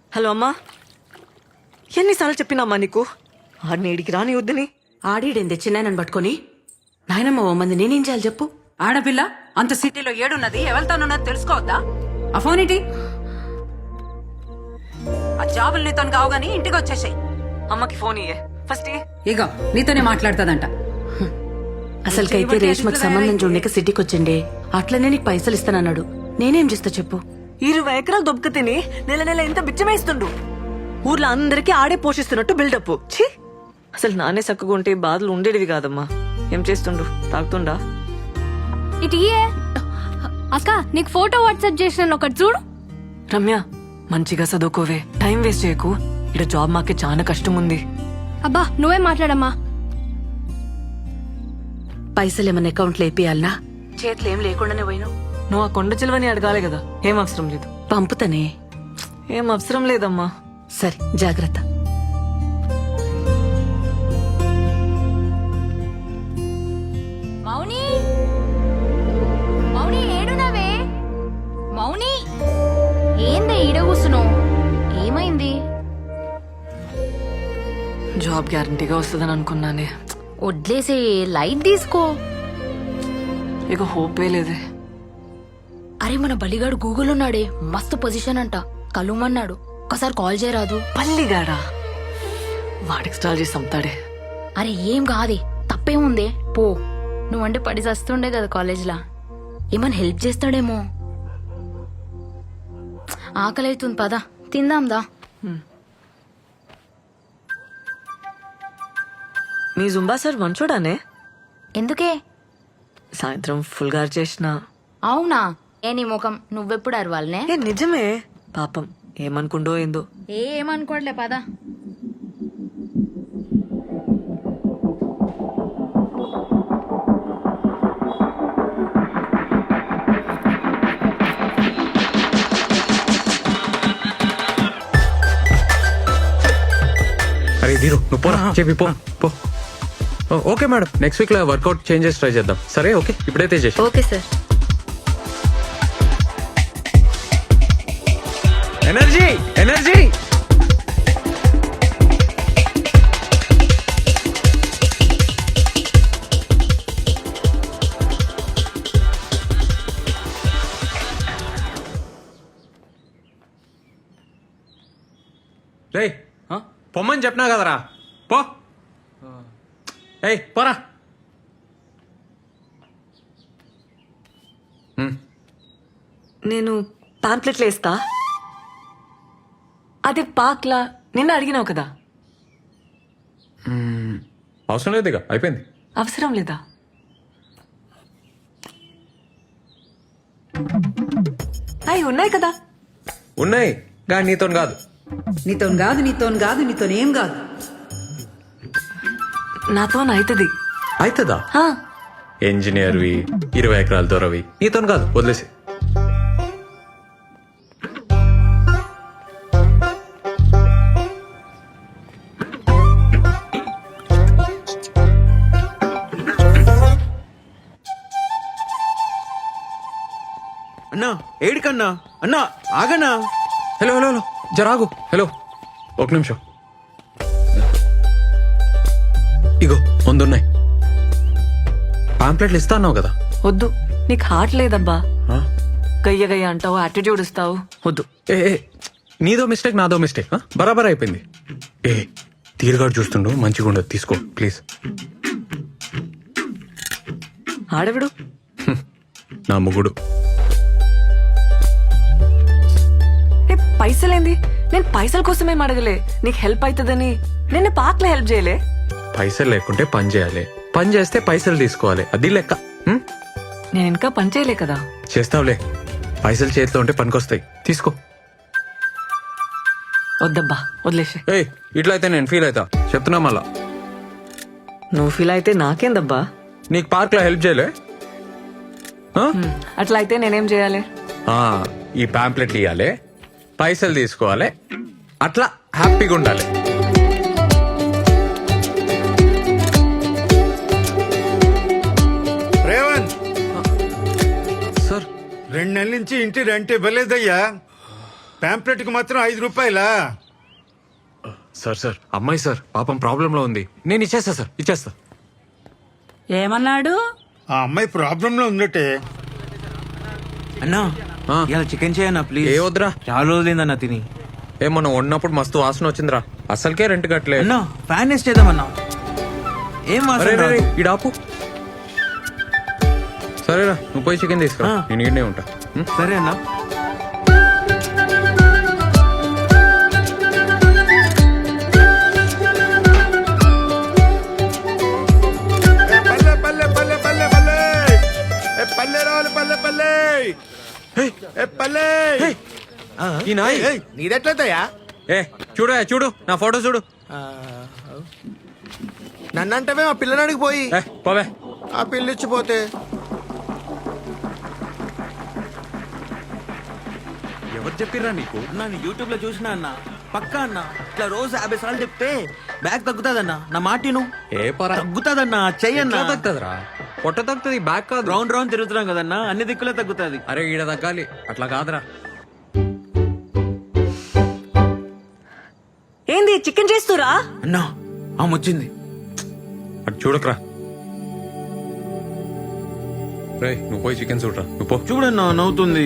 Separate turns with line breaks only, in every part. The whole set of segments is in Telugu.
హలో అమ్మా, ఎన్నిసార్లు చెప్పినామ్మా నీకు ఆడిని ఇడికి రాని వద్దని?
ఆడీడేంది చిన్నాయనని పట్టుకొని నాయనమ్మ ఓ మంది నేనేం చేయాలి చెప్పు?
ఆడపిల్ల అంత సిటీలో ఏడున్నది ఎవరితోనున్నది తెలుసుకోవద్దా? ఆ ఫోన్ ఏంటి? ఆ జాబులు నీతో కావు గానీ ఇంటికి వచ్చేసాయి.
అమ్మకి ఫోన్ ఇయ్యే ఫస్ట్.
ఇగో నీతోనే మాట్లాడుతుందంట.
అసలుకైతే రేష్మకి సంబంధం చూడక సిటీకి వచ్చిండే, అట్లనే నీకు పైసలు ఇస్తానన్నాడు. నేనేం చేస్తా చెప్పు?
20 ఎకరాలు దొబ్బక తిని నెల నెల ఎంత బిచ్చమేస్తుండు. ఊర్లో అందరికీ ఆడే పోషిస్తున్నట్టు బిల్డప్. ఛీ, అసలు నానే చక్కగా ఉంటే బాధలు ఉండేటివి కాదమ్మా. ఏం చేస్తుండు? తాగుతుండా?
ఇటు ఇయ్యే. అక్క నీకు ఫోటో వాట్సాప్ చేసిన ఒకటి చూడు.
రమ్య, మంచిగా చదువుకోవే, టైం వేస్ట్ చేయకు. ఇక్కడ జాబ్ మాకే చాలా కష్టం ఉంది.
అబ్బా నువ్వే మాట్లాడమ్మా.
పైసలు ఏమన్నా అకౌంట్లో వేపియాలనా? చేతులు ఏం లేకుండానే పోయినావు.
నువ్వు ఆ కొండ చిలువని అడగాలి కదా. ఏం అవసరం లేదు.
పంపుతానే.
ఏం అవసరం లేదమ్మా.
సరే జాగ్రత్త.
మౌని, మౌని ఏడునవే? మౌని ఏందే ఈడ కూసున్నావు? ఏమైంది?
జాబ్ గ్యారంటీగా వస్తుందని అనుకున్నానే.
వడ్లేసే, లైట్ తీసుకో.
ఇక హోపే లేదే.
అరే మన బలిగాడు గూగుల్ ఉన్నాడే, మస్తు పొజిషన్ అంట, కలుమన్నాడు. ఒకసారి కాల్ చేయరాదు?
పల్లిగాడా? వాడికి స్టాల్ చేసి చంపుతాడే.
అరే ఏం కాదే, తప్పేముందే, పో. నువ్వంటే పడి చస్తుండే కదా కాలేజ్లా, ఏమన్నా హెల్ప్ చేస్తాడేమో. ఆకలి అవుతుంది, పద తిందాందా.
మీ జుంబా సార్ మంచోడానే?
ఎందుకే?
సాయంత్రం ఫుల్ గారు చేసిన.
అవునా? ఏ నీ ముఖం, నువ్వెప్పుడు అరవాలనే?
ఏ నిజమే. పాపం ఏమనుకుండో ఏందో.
ఏమనుకోవట్లే, పద.
అరే ధీరు నువ్వు పోరా, చెప్పి పో పో. ఓకే మేడం, నెక్స్ట్ వీక్ లో వర్కౌట్ చేంజెస్ ట్రై చేద్దాం. సరే ఓకే, ఇప్పుడైతే చేసి.
Okay sir.
Energy energy. రేయ్ పొమ్మని చెప్పినా కదరా, పో. ఏయ్ పోరా.
నేను పాంప్లెట్లు వేస్తా. అదే పాక్లా నిన్న అడిగినావు కదా.
అవసరం లేదు, ఇక అయిపోయింది.
అవసరం లేదా? అవి ఉన్నాయి కదా.
ఉన్నాయి కానీ నీతో కాదు.
నీతోనేం కాదు.
నాతో అవుతుంది.
అవుతుందా? ఇంజనీర్వి, 20 ఎకరాల దొరవి, నీతో కాదు, వదిలేసి.
అన్నా ఏడికన్నా? అన్నా ఆగన్నా.
హలో హలో హలో, జరాగు. హలో, ఒక నిమిషం. ఇగో ముందున్నాయి పాంప్లెట్లు. ఇస్తా అన్నావు కదా.
వద్దు, నీకు హార్ట్ లేదబ్బా. గయ్య గయ్య అంటావు, యాటిట్యూడ్ ఇస్తావు. వద్దు.
ఏ నీదో మిస్టేక్, నాదో మిస్టేక్. బరాబర్ అయిపోయింది. ఏ తీరుగాడు చూస్తుండు, మంచిగా ఉండదు, తీసుకో ప్లీజ్.
ఆడవిడు
నా ముగుడు.
పైసలేంది? నేను పైసల కోసమేం అడగలే, నీకు హెల్ప్ అవుతుందని. నేను పాక్లో హెల్ప్ చేయలే.
పైసలు లేకుంటే పని చేయాలి, పని చేస్తే పైసలు తీసుకోవాలి, అది లెక్క.
నేను ఇంకా పని చేయలే కదా.
చేస్తావులే, పైసలు చేతిలో ఉంటే పనికొస్తాయి, తీసుకో.
వద్దబ్బా, వదిలేసే.
ఏయ్ ఇట్లా అయితే నేను ఫీల్ అవుతా, చెప్తున్నా మళ్ళా.
నువ్వు ఫీల్ అయితే నాకేందబ్బా.
నీకు పార్క్ లో హెల్ప్ చేయలే?
అట్లా అయితే నేనేం చేయాలి?
ఈ పాంప్లెట్లు ఇవ్వాలి, పైసలు తీసుకోవాలి, అట్లా హ్యాపీగా ఉండాలి.
రేవంత్
సార్
2 నెలల నుంచి ఇంటి రెంట్ ఇవ్వలేదయ్యా.
పాంప్లెట్ కి మాత్రం 5 రూపాయలా?
సార్ అమ్మాయి సార్ పాపం ప్రాబ్లం లో ఉంది. నేను ఇచ్చేస్తా సార్, ఇచ్చేస్తా.
ఏమన్నాడు?
ఆ అమ్మాయి ప్రాబ్లం లో ఉందటే.
అన్నా
ఆ.
ఇలా చికెన్ చేయన్నా ప్లీజ్.
ఏ వద్దురా.
చాలా రోజులైందన్నా తిని.
ఏమన్నా ఉన్నప్పుడు మస్తు వాసన వచ్చిందిరా. అసలుకే రెంట్ కట్టలే.
అన్నా ఫ్యాన్ వేస్ట్ చేద్దామన్నా. ఏం వాసన రాదు.
ఇడాపు. సరేరా, నువ్వు పోయి చికెన్ తీసుకురా.
ఆ.
నేను ఇక్కడే ఉంటా.
సరే అన్నా.
పల్లె పల్లె పల్లె పల్లె పల్లె ఏ పల్లె రావాలి పల్లె పల్లె ఏ పల్లె.
ఈ నాయ్
నీదెట్లయితయా?
చూడు నా ఫోటో చూడు.
నన్నంటవే మా పిల్లనాడికి పోయి
పోవే.
ఆ పిల్లిచ్చిపోతే
ఎవరు చెప్పిర్రా నీకు?
అన్నా నేను యూట్యూబ్ లో చూసినా అన్న. పక్కా అన్న ఇట్లా రోజు 50 సార్లు చెప్తే బ్యాగ్ తగ్గుతాదన్నా. నా మాటిను.
ఏ పరా
తగ్గుతాదన్నా, చెయ్యన్నా.
తగ్గుతుందిరా. పొట్ట తగ్గుతుంది, బ్యాక్ కాదు.
రౌండ్ రౌండ్ తిరుగుతున్నాం కదన్నా, అన్ని దిక్కులే తగ్గుతాది.
అరే ఈడ తగ్గాలి, అట్లా కాదురా.
ఏంది చికెన్ చేస్తురా?
అన్నా ఆమె వచ్చింది.
అటు చూడకరా. రే నువ్వు పోయి చికెన్ చూడరా. నువ్వు పో.
చూడన్నా నవ్వుతుంది.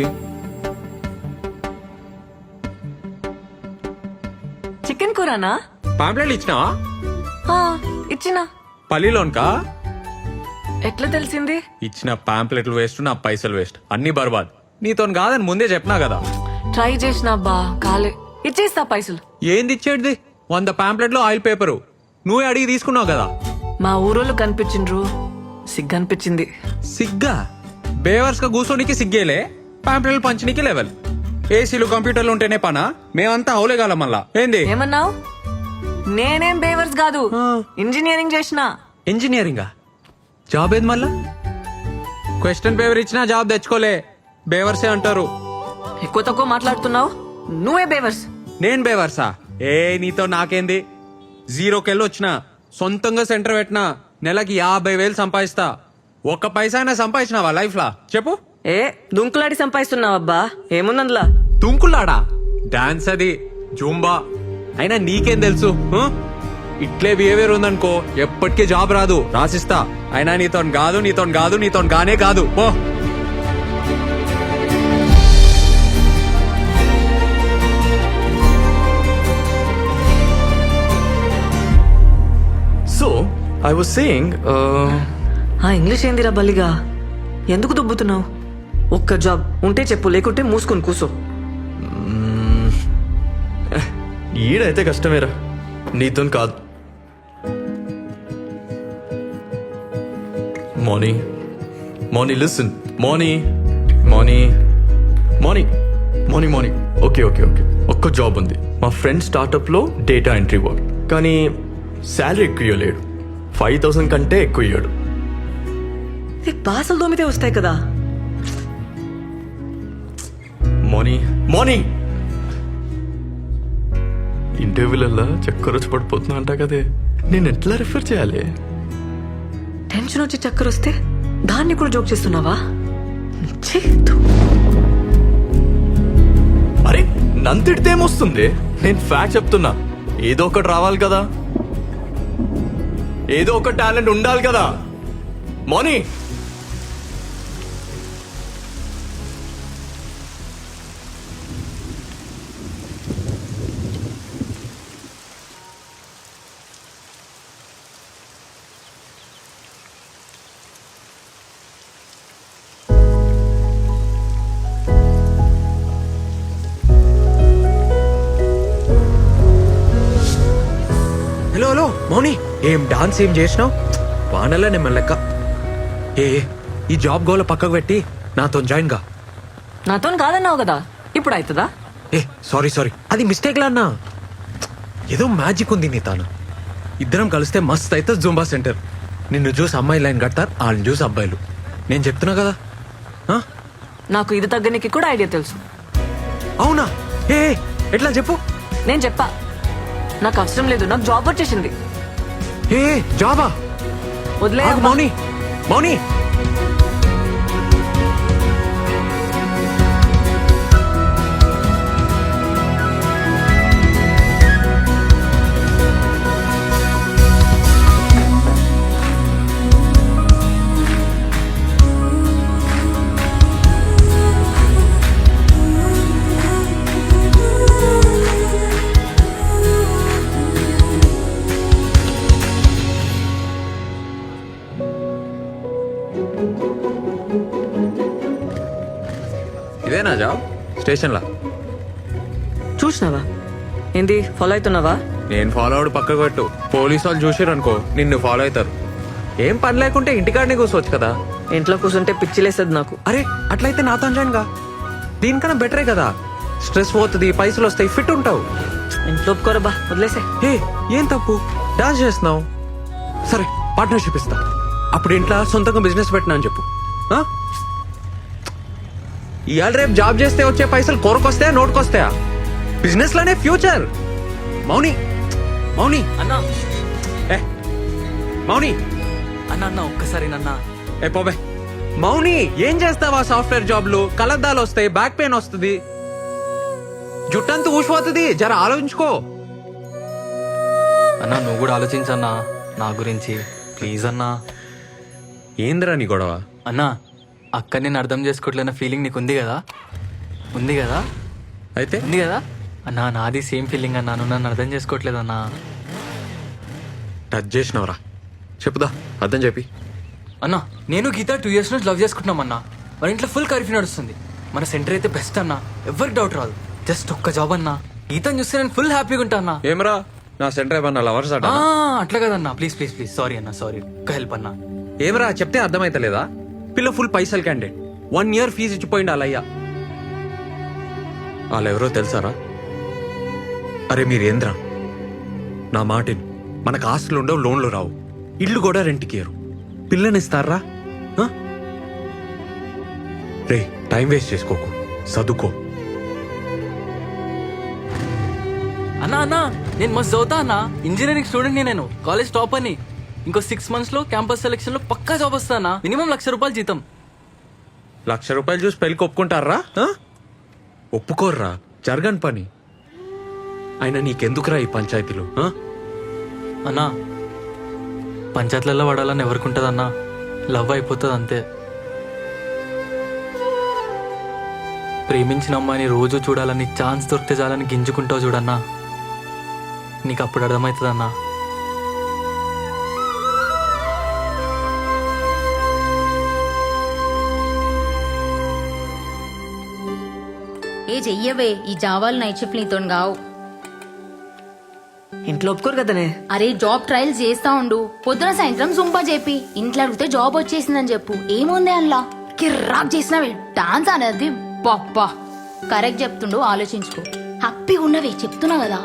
చికెన్ కూరనా?
పాంప్లెట్లు ఇచ్చినావా?
ఆ, ఇచ్చినా.
పల్లిలోన్కా?
ఎట్లా తెలిసింది?
ఇచ్చిన పాంప్లెట్లు వేస్ట్, నా పైసలు వేస్ట్, అన్ని బర్బాద్. నీతో కాదని ముందే చెప్పినా కదా.
ట్రై చేసిన బా కాలే. ఇచ్చేస్తా పైసలు.
ఏంది ఇచ్చేటిది? 100 పాంప్లెట్లు ఆయిల్ పేపరు నువ్వే అడిగి తీసుకున్నావు కదా.
మా ఊరోళ్ళు కనిపించిండ్రు, సిగ్గనిపించింది.
సిగ్గా? బేవర్స్ గా కూర్చోనికి సిగ్గేలే, పాంప్లెట్లు పంచనీకి లెవెల్. ఏసీలు కంప్యూటర్లు ఉంటేనే పనా? మేమంతా అవులేగాల మళ్ళా. ఏంది
ఏమన్నావు? నేనేం బేవర్స్ కాదు, ఇంజనీరింగ్ చేసిన.
ఇంజనీరింగా? జాబ్ ఏది మళ్ళా? క్వశ్చన్ పేపర్ ఇచ్చినా జాబ్ తెచ్చుకోలే, బేవర్సే అంటారు.
ఎక్కువ తక్కువ మాట్లాడుతున్నావు, నువ్వే బేవర్స్.
నేను బేవర్సా? ఏ నీతో నాకేంది? 0కెళ్ళి వచ్చిన, సొంతంగా సెంటర్ పెట్టినా, నెలకి 50,000 సంపాదిస్తా. ఒక్క పైసా అయినా సంపాదించినావా లైఫ్ లా చెప్పు?
ఏ దుంకులాడి సంపాదిస్తున్నావబ్బా, ఏముందందులా?
తుంకులాడా? డాన్స్ అది, జూంబా. అయినా నీకేం తెలుసు? ఇట్లే బిహేవియర్ ఉందనుకో ఎప్పటికీ జాబ్ రాదు, రాసిస్తా. అయినా నీతో గానే కాదు. పో.
So, I was saying,
ఆ ఇంగ్లీష్ ఏందిరా బల్లిగా? ఎందుకు దుబ్బుతున్నావు? ఒక్క జాబ్ ఉంటే చెప్పు, లేకుంటే మూసుకొని కూసో.
ఈడైతే కష్టమేరా, నీతో కాదు. Morning listen. Morning okay. ఒక్క జాబ్ ఉంది, మా ఫ్రెండ్ స్టార్ట్అప్ లో డేటా ఎంట్రీ వర్క్. కానీ శాలరీ ఎక్కువ ఇవ్వలేడు, 5,000 కంటే ఎక్కువ ఇయ్యాడు.
బాసలు దోమితే వస్తాయి కదా.
మార్నింగ్ ఇంటర్వ్యూలల్లా చక్కర వచ్చి పడిపోతున్నా అంట కదే, నేను ఎట్లా రిఫర్ చేయాలి?
టెన్షన్ వచ్చి చక్కర వస్తే దాన్ని కూడా జోక్ చేస్తున్నావా? ఛీ, ధూ.
అరే నంతిడితే ఏమొస్తుంది? నేను ఫ్యాక్ట్ చెప్తున్నా. ఏదో ఒకటి రావాలి కదా, ఏదో ఒక టాలెంట్ ఉండాలి కదా. మోనీ
హలో మౌని, ఏం డాన్స్ ఏం చేసినావు? వానల్లా నేను లెక్క. ఈ జాబ్ గోల పక్కకు పెట్టి నాతో జాయిన్ గా.
నాతో కాదన్నావు కదా, ఇప్పుడు అవుతుందా?
సారీ అది మిస్టేక్ లా అన్నా. ఏదో మ్యాజిక్ ఉంది నీ తాను. ఇద్దరం కలిస్తే మస్త్ అయితే జూంబా సెంటర్. నిన్ను చూసి అమ్మాయి లైన్ కడతారు, వాళ్ళని చూసి అబ్బాయిలు. నేను చెప్తున్నా కదా.
నాకు ఇది తగ్గనికి కూడా ఐడియా తెలుసు.
అవునా? ఎట్లా చెప్పు.
నేను చెప్పా, నాకు అవసరం లేదు, నాకు జాబ్ వచ్చేసింది.
జాబా?
వదిలే
మౌని. ఇదేనా జాబ్ స్టేషన్లా?
చూసినావా ఏంది ఫాలో అవుతున్నావా?
నేను ఫాలో అవడు పక్కకు పెట్టు. పోలీసు వాళ్ళు చూసారనుకో నిన్ను ఫాలో అవుతారు. ఏం పని లేకుంటే ఇంటికాడనే కూర్చోవచ్చు కదా.
ఇంట్లో కూర్చుంటే పిచ్చిలేస్తుంది నాకు.
అరే అట్లయితే నాతో జాయిన్ గా. దీనికన్నా బెటరే కదా. స్ట్రెస్ పోతుంది, పైసలు వస్తాయి, ఫిట్ ఉంటావు.
ఇంట్లో ఒప్పుకోరబ్బా, వదిలేసే.
ఏ ఏం తప్పు, డాన్స్ చేస్తున్నావు. సరే పార్ట్నర్షిప్ ఇస్తా. అప్పుడు ఇంట్లో సొంతంగా బిజినెస్ పెట్టినా అని చెప్పు. ఆ? ఇవాళ రేపు జాబ్ చేస్తే వచ్చే పైసలు కొరకొస్తాయా నోటుకొస్తాయా? బిజినెస్ లోనే ఫ్యూచర్. మౌని మౌని
అన్నా
ఏ మౌని
అన్న అన్న ఒక్కసారి నన్న
ఏ పోబే. మౌని ఏం చేస్తావా? సాఫ్ట్వేర్ జాబ్లు కలద్దాలు వస్తాయి, బ్యాక్ పెయిన్ వస్తుంది, జుట్టంతా ఊసిపోతుంది. జర ఆలోచించుకో.
అన్నా నువ్వు కూడా ఆలోచించన్నా నా గురించి ప్లీజ్ అన్నా.
ఏందిరా నీ గొడవ?
అన్నా అక్క నేను అర్థం చేసుకోవట్లేన ఫీలింగ్ నీకు ఉంది కదా? ఉంది కదా?
అయితే
ఉంది కదా అన్నా? నాది సేమ్ ఫీలింగ్ అన్నా. నువ్వు నన్ను అర్థం చేసుకోవట్లేదన్నా.
టచ్ చేసినవరా? చెప్పుదా అర్థం చెప్పి.
అన్నా నేను గీత 2 years నుంచి లవ్ చేసుకుంటున్నాం అన్నా. మన ఇంట్లో ఫుల్ కర్ఫ్యూ నడుస్తుంది. మన సెంటర్ అయితే బెస్ట్ అన్నా, ఎవరికి డౌట్ రాదు. జస్ట్ ఒక్క జాబ్ అన్నా. గీతను చూస్తే నేను ఫుల్ హ్యాపీగా ఉంటా అన్నా.
ఏమరా నా సెంటర్ ఏమన్నా లవర్స్ అట?
అట్లా కదన్నా, ప్లీజ్ ప్లీజ్ ప్లీజ్. సారీ అన్నా, సారీ. ఒక్క హెల్ప్ అన్నా.
ఏమరా చెప్తే అర్థమైతలేదా? పిల్ల ఫుల్ పైసలు క్యాండిడేట్, 1 year ఫీజు ఇచ్చిపోయింది వాళ్ళయ్యా. వాళ్ళెవరో తెలుసారా? అరే మీరేంద్రా నా మాటిని. మనకు ఆస్తులు ఉండవు, లోన్లు రావు, ఇల్లు కూడా రెంట్కి ఇయ్యరు. పిల్లనిస్తారా? రే టైం వేస్ట్ చేసుకోకు, చదువుకో.
అన్నా అన్నా నేను మస్తు చదువుతా అన్నా. ఇంజనీరింగ్ స్టూడెంట్ నేను, కాలేజ్ టాప్ అని. ఇంకో 6 months లో క్యాంపస్ సెలెక్షన్ లో పక్కా జాబ్ వస్తా అన్నా. మినిమం ₹1,00,000 జీతం.
₹1,00,000 చూసి పెళ్ళికి ఒప్పుకుంటారా? ఒప్పుకోర్రా, జరగని పని. అయినా నీకెందుకురా ఈ పంచాయతీలు?
అన్నా పంచాయతీలలో పడాలని ఎవరికి ఉంటుంది అన్నా? లవ్ అయిపోతుంది అంతే. ప్రేమించిన అమ్మాయిని రోజు చూడాలని, ఛాన్స్ దొరికితే చాలని గింజుకుంటావు చూడన్నా. నీకు అప్పుడు అర్థమవుతుంది అన్నా.
ఏ చెయ్యవే, ఈ జావాలు నైట్ షిఫ్ట్ నీతో కావు.
ఇంట్లో ఒప్పుకోరు కదనే.
అరే జాబ్ ట్రయల్స్ చేస్తా ఉండు, పొద్దున సాయంత్రం జుంపా చెప్పి ఇంట్లో అడిగితే జాబ్ వచ్చేసిందని చెప్పు. ఏముంది అందులో? కిర్రాక్ చేసినవి డాన్స్ అనేది. బాబ్బా కరెక్ట్ చెప్తుండు, ఆలోచించుకో. హ్యాపీగా ఉన్నవే చెప్తున్నా కదా.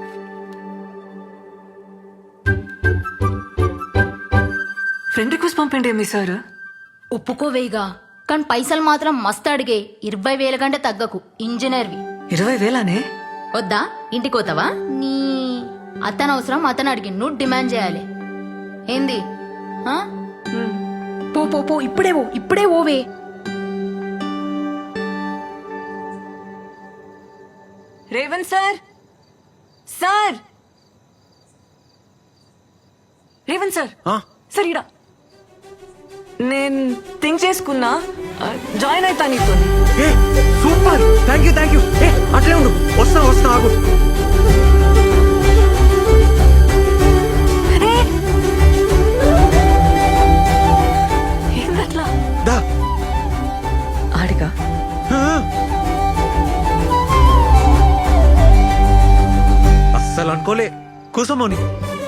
ఫ్రెండ్ రిక్వెస్ట్ పంపండి మీ సార్.
ఒప్పుకోవేగా, కానీ పైసలు మాత్రం మస్తు అడిగే. 20,000 కంటే తగ్గకు. ఇంజనీర్వి
20,000నే?
వద్దా? ఇంటికి పోతావా? నీ అతను అవసరం, అతను అడిగి నువ్వు డిమాండ్ చేయాలి. ఏంది? ఆ? పో పో పో, ఇప్పుడే పో, ఇప్పుడే ఓవే.
Revanth sir, sir Revanth sir, sir ఇడా నేను థింక్ చేసుకున్నా, జాయిన్ అవుతా నీతో.
Super, thank you. అట్లే ఉండు, వస్తా ఆగు.
ఏందట్లా?
దా
ఆడిగా
అస్సలు అనుకోలే. కూసమోని.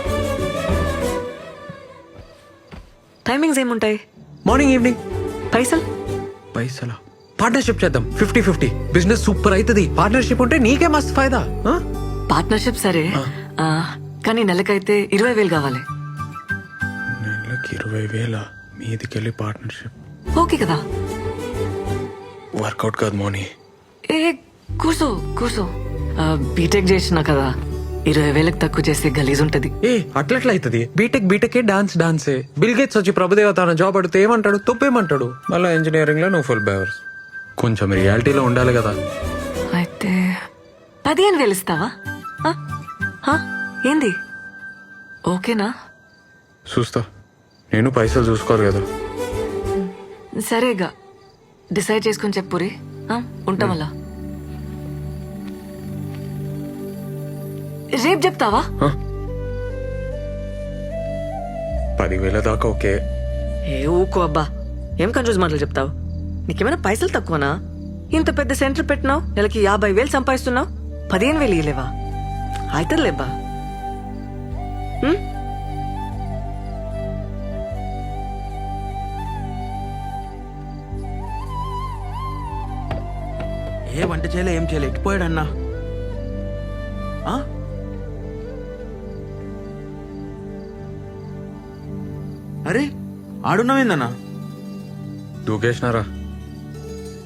టైమింగ్స్ ఏముంటాయి?
Morning evening.
పైసలా?
పార్ట్నర్షిప్ చేద్దాం, 50-50. బిజినెస్ సూపర్ అవుతుంది. పార్ట్నర్షిప్ ఉంటే నీకే మస్తు ఫైదా.
పార్ట్నర్షిప్ సరే, కానీ నెలకైతే 20,000 కావాలి.
నెలకి 20,000 మీదికెళ్ళి పార్ట్నర్షిప్
ఓకే కదా?
వర్కౌట్ కాదు మోని.
ఏ కూర్చో. బీటెక్ చేసినా కదా, 20,000 తక్కువ చేస్తే గలీజ్ ఉంటది.
అట్లట్లా అవుతుంది. బీటెక్ డాన్సే. బిల్ గేట్స్ వచ్చి ప్రభుదేవత అన్న జాబ్ అడిగితే ఏమంటాడు? తప్పేమంటాడు? మళ్ళీ ఇంజనీరింగ్ లో నువ్వు ఫుల్ బేవర్స్. కొంచెం రియాలిటీలో ఉండాలి కదా.
అయితే 15,000 ఇస్తావా? ఏంది? ఓకేనా?
చూస్తా. నేను పైసలు చూసుకోరు కదా.
సరేగా, డిసైడ్ చేసుకుని చెప్పురి. ఉంటాం అలా. రేపు చెప్తావా?
10,000 దాకా ఓకే.
ఏ ఊకో అబ్బా, ఏం కన్ఫ్యూజ్ మాటలు చెప్తావు? నీకేమైనా పైసలు తక్కువనా? ఇంత పెద్ద సెంటర్ పెట్టినావు, నెలకి 50,000 సంపాదిస్తున్నావు, 15,000 ఇయ్యలేవా? అవుతుందిలేబ్బా.
ఏ వంట చేయలే, ఏం చేయలే, ఎట్టిపోయాడన్నా? ఆ? అరే ఆడున్నావేందన్నా?
దూకేసినారా